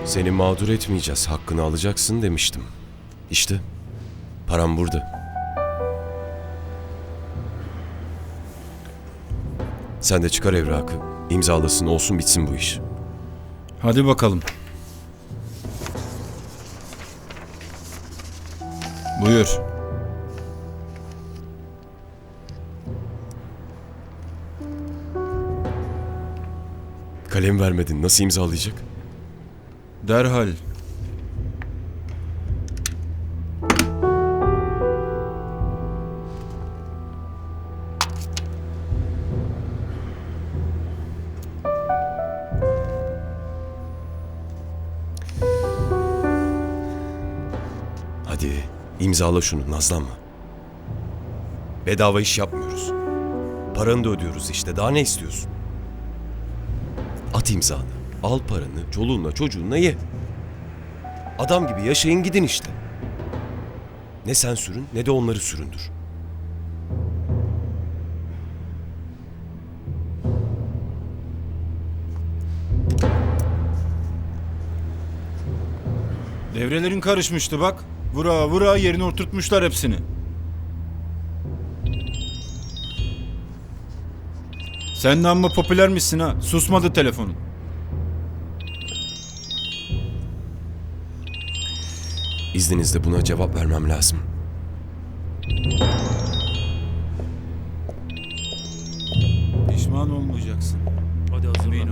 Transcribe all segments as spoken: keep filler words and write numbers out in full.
Seni mağdur etmeyeceğiz, hakkını alacaksın demiştim. İşte, param burada. Sen de çıkar evrakı, imzalasın, olsun bitsin bu iş. Hadi bakalım. Buyur. Kalem vermedin, nasıl imzalayacak? Derhal. Hadi, imzala şunu, nazlanma. Bedava iş yapmıyoruz. Paranı da ödüyoruz işte, daha ne istiyorsun? At imzanı, al paranı, çoluğunla çocuğunla ye. Adam gibi yaşayın gidin işte. Ne sen sürün ne de onları süründür. Devrelerin karışmıştı bak. Vura vura yerine oturtmuşlar hepsini. Sen de amma popülermişsin ha. Susmadı telefonun. İzninizle buna cevap vermem lazım. Pişman olmayacaksın. Hadi hazırlan. Emin ol.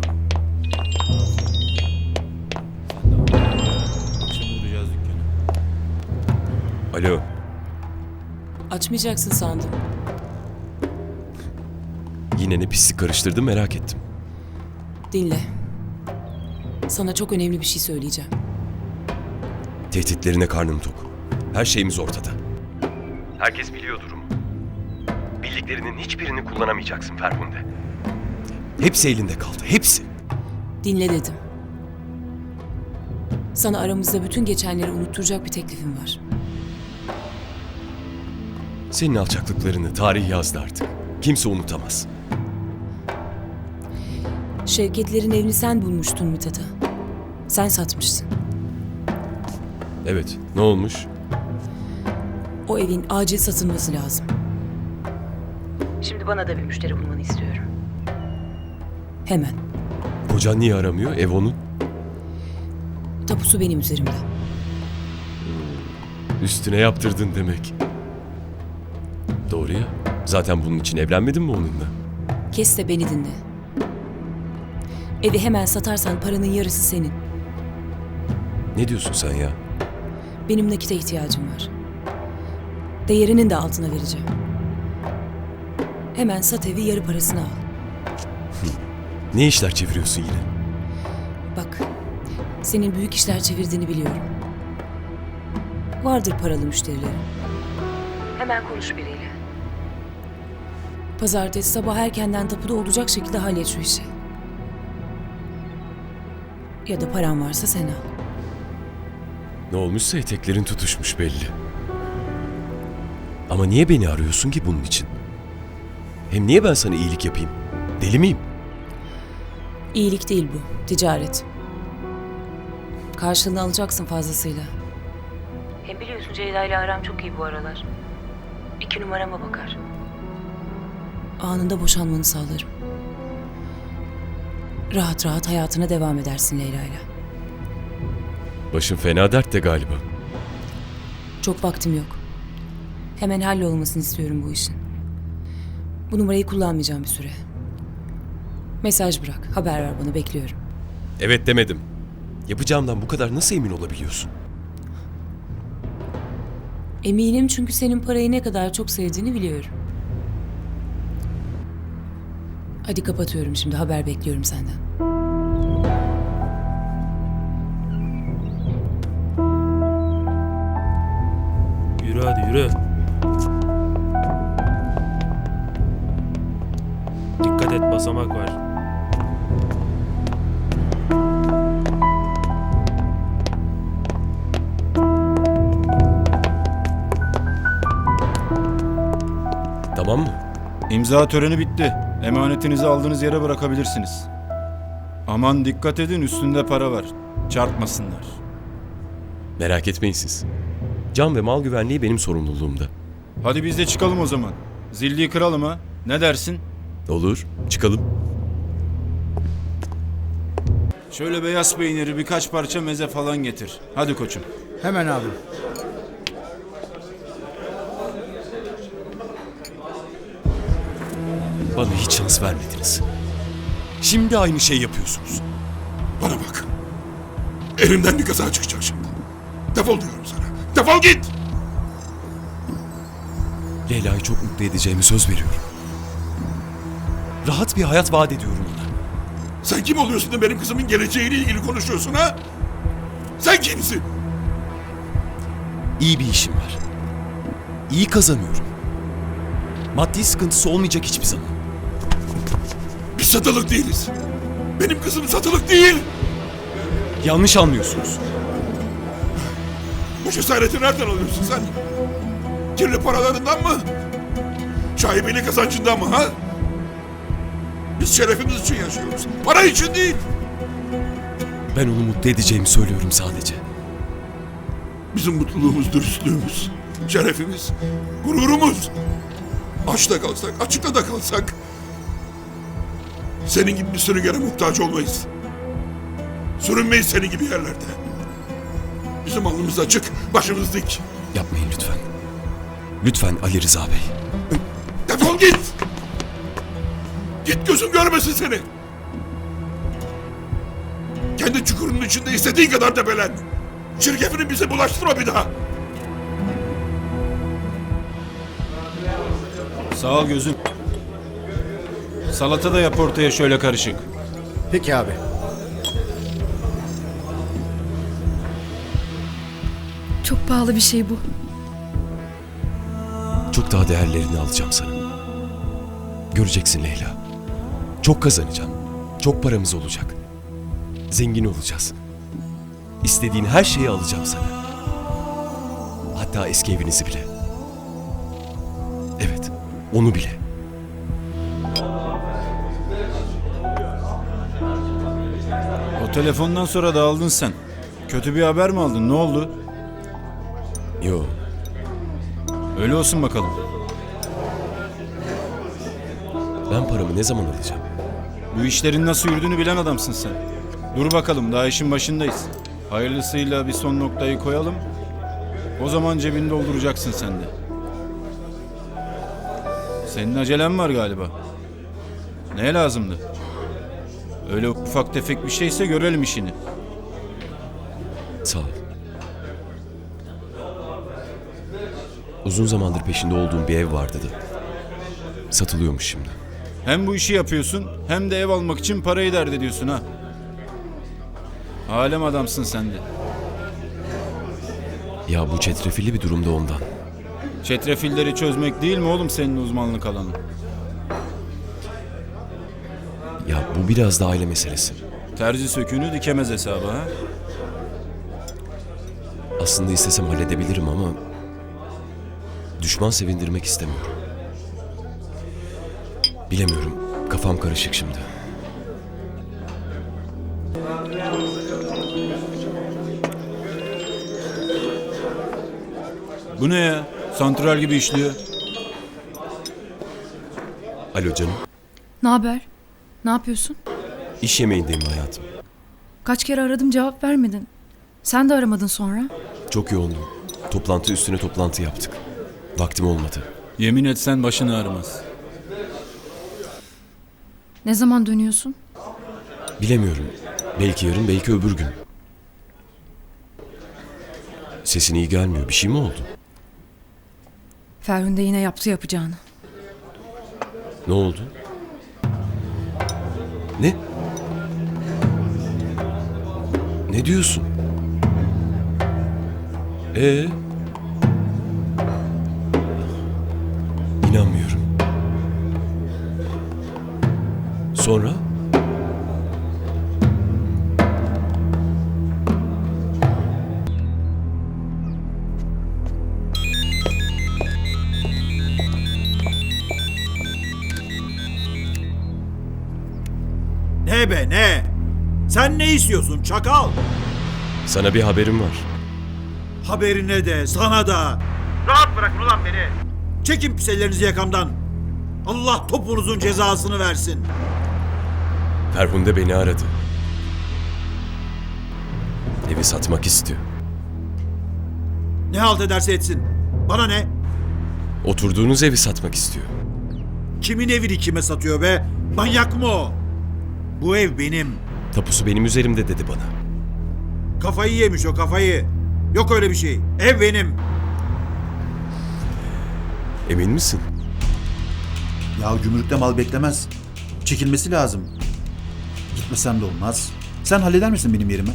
Sen de akşam uğrayacağız dükkana. Alo, Açmayacaksın sandım. yine ne pislik karıştırdım merak ettim. Dinle. Sana çok önemli bir şey söyleyeceğim. Tehditlerine karnım tok. Her şeyimiz ortada. Herkes biliyor durumu. Bildiklerinin hiçbirini kullanamayacaksın Ferhunde. Hepsi elinde kaldı, hepsi. Dinle dedim. Sana aramızda bütün geçenleri unutturacak bir teklifim var. Senin alçaklıklarını tarih yazdı artık. Kimse unutamaz. Şevketlerin evini sen bulmuştun Mithat'a. Sen satmışsın. Evet, ne olmuş? O evin acil satılması lazım. Şimdi bana da bir müşteri bulmanı istiyorum. Hemen. Kocan niye aramıyor? Ev onun. Tapusu benim üzerimde. Üstüne yaptırdın demek. Doğru ya. Zaten bunun için evlenmedin mi onunla? Kes de beni dinle. Evi hemen satarsan paranın yarısı senin. Ne diyorsun sen ya? Benim nakite ihtiyacım var. Değerinin de altına vereceğim. Hemen sat evi, yarı parasını al. Ne işler çeviriyorsun yine? Bak, senin büyük işler çevirdiğini biliyorum. Vardır paralı müşterilerin. Hemen konuş biriyle. Pazartesi sabah erkenden tapuda olacak şekilde hallet şu işi. Ya da paran varsa sen al. Ne olmuşsa eteklerin tutuşmuş belli. Ama niye beni arıyorsun ki bunun için? Hem niye ben sana iyilik yapayım? Deli miyim? İyilik değil bu, ticaret. Karşılığını alacaksın fazlasıyla. Hem biliyorsun Ceyda ile aram çok iyi bu aralar. İki numarama bakar. Anında boşanmanı sağlarım. Rahat rahat hayatına devam edersin Leyla'yla. Başın fena dertte galiba. Çok vaktim yok. Hemen hallolmasını istiyorum bu işin. Bu numarayı kullanmayacağım bir süre. Mesaj bırak, haber ver bana, bekliyorum. Evet demedim. Yapacağımdan bu kadar nasıl emin olabiliyorsun? Eminim çünkü senin parayı ne kadar çok sevdiğini biliyorum. Hadi kapatıyorum şimdi, haber bekliyorum senden. Yürü hadi yürü. Dikkat et, basamak var. Tamam mı? İmza töreni bitti. Emanetinizi aldığınız yere bırakabilirsiniz. Aman dikkat edin, üstünde para var. Çarpmasınlar. Merak etmeyin siz. Can ve mal güvenliği benim sorumluluğumda. Hadi biz de çıkalım o zaman. Zilliyi kıralım ha. Ne dersin? Olur, çıkalım. Şöyle beyaz peyniri, birkaç parça meze falan getir. Hadi koçum. Hemen abi. Bana hiç şans vermediniz. Şimdi aynı şey yapıyorsunuz. Bana bak. Elimden bir kaza çıkacak şimdi. Defol diyorum sana. Defol git! Leyla'yı çok mutlu edeceğimi söz veriyorum. Rahat bir hayat vaat ediyorum ona. Sen kim oluyorsun da benim kızımın geleceğiyle ilgili konuşuyorsun ha? Sen kimsin? İyi bir işim var. İyi kazanıyorum. Maddi sıkıntısı olmayacak hiçbir zaman. Biz satılık değiliz. Benim kızım satılık değil. Yanlış anlıyorsunuz. Bu cesareti nereden alıyorsun sen? Kirli paralarından mı? Şaibeli kazancından mı ha? Biz şerefimiz için yaşıyoruz. Para için değil. Ben onu mutlu edeceğimi söylüyorum sadece. Bizim mutluluğumuz, dürüstlüğümüz, şerefimiz, gururumuz. Açta kalsak, açıkta da kalsak senin gibi bir sürüngene muhtaç olmayız. Sürünmeyiz senin gibi yerlerde. Bizim alnımız açık, başımız dik. Yapmayın lütfen. Lütfen Ali Rıza Bey. Defol git! Git, gözüm görmesin seni. Kendi çukurunun içinde istediğin kadar debelen. Çirkefini bize bulaştırma bir daha. Sağ ol gözüm. Salata da yap ortaya şöyle karışık. Peki abi. Çok pahalı bir şey bu. Çok daha değerlerini alacağım sana. Göreceksin Leyla. Çok kazanacağım. Çok paramız olacak. Zengin olacağız. İstediğin her şeyi alacağım sana. Hatta eski evinizi bile. Evet, onu bile. O telefondan sonra dağıldın sen. Kötü bir haber mi aldın? Ne oldu? Yo, Öyle olsun bakalım. ben paramı ne zaman alacağım? Bu işlerin nasıl yürüdüğünü bilen adamsın sen. Dur bakalım, daha işin başındayız. Hayırlısıyla bir son noktayı koyalım. O zaman cebini dolduracaksın sen de. Senin acelen var galiba. Neye lazımdı? Öyle ufak tefek bir şeyse görelim işini. Sağ ol. Uzun zamandır peşinde olduğum bir ev vardı da. Satılıyormuş şimdi. Hem bu işi yapıyorsun hem de ev almak için parayı dert ediyorsun ha. Alem adamsın sen de. Ya bu çetrefilli bir durumda ondan. Çetrefilleri çözmek değil mi oğlum senin uzmanlık alanın? Ya bu biraz da aile meselesi. Terzi söküğünü dikemez hesabı ha. Aslında istesem halledebilirim ama düşman sevindirmek istemiyorum. Bilemiyorum. Kafam karışık şimdi. Bu ne ya? Santral gibi işliyor. Alo canım. Ne haber? Ne yapıyorsun? İş yemeğindeyim hayatım. Kaç kere aradım cevap vermedin. Sen de aramadın sonra. Çok yoğundum. Toplantı üstüne toplantı yaptık. Vaktim olmadı. Yemin etsen başını ağrımaz. Ne zaman dönüyorsun? Bilemiyorum. Belki yarın, belki öbür gün. Sesin iyi gelmiyor. Bir şey mi oldu? Ferhunde yine yaptı yapacağını. Ne oldu? Ne? Ne diyorsun? Ee? İnanmıyorum. Sonra? Ne be ne? Sen ne istiyorsun çakal? Sana bir haberim var. Haberine de sana da. Rahat bırakın ulan beni. Çekin pis ellerinizi yakamdan. Allah topunuzun cezasını versin. Ferhunde beni aradı. Evi satmak istiyor. Ne halt ederse etsin. Bana ne? Oturduğunuz evi satmak istiyor. Kimin evini kime satıyor be? Manyak mı o? Bu ev benim. Tapusu benim üzerimde dedi bana. Kafayı yemiş o kafayı. Yok öyle bir şey. Ev benim. Emin misin? Ya gümrükte mal beklemez. Çekilmesi lazım. Gitmesem de olmaz. Sen halleder misin benim yerime?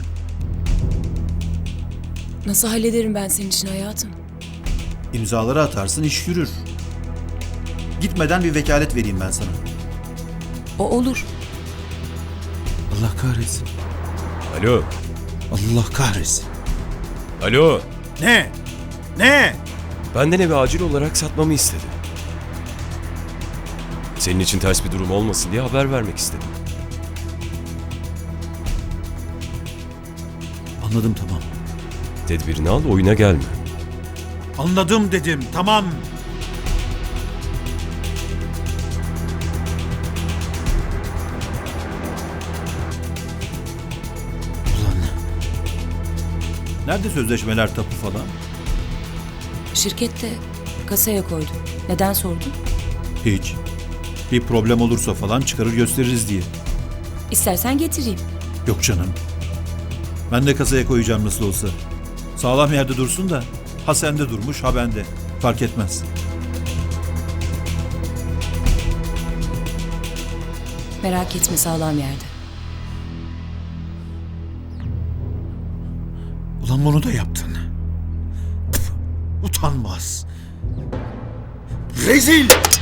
Nasıl hallederim ben senin için hayatım? İmzaları atarsın, iş yürür. Gitmeden bir vekalet vereyim ben sana. O olur. Allah kahretsin. Alo. Allah kahretsin. Alo. Ne? Ne? Benden evi acil olarak satmamı istedi. Senin için ters bir durum olmasın diye haber vermek istedim. Anladım, tamam. Tedbirini al, oyuna gelme. Anladım dedim. Tamam. Ulan. Nerede sözleşmeler, tapu falan? Şirkette kasaya koydum. Neden sordun? Hiç. Bir problem olursa falan çıkarır gösteririz diye. İstersen getireyim. Yok canım. Ben de kasaya koyacağım nasıl olsa. Sağlam yerde dursun da ha sende durmuş ha bende. Fark etmez. Merak etme, sağlam yerde. Ulan bunu da yaptın. Pf, utanmaz. Rezil!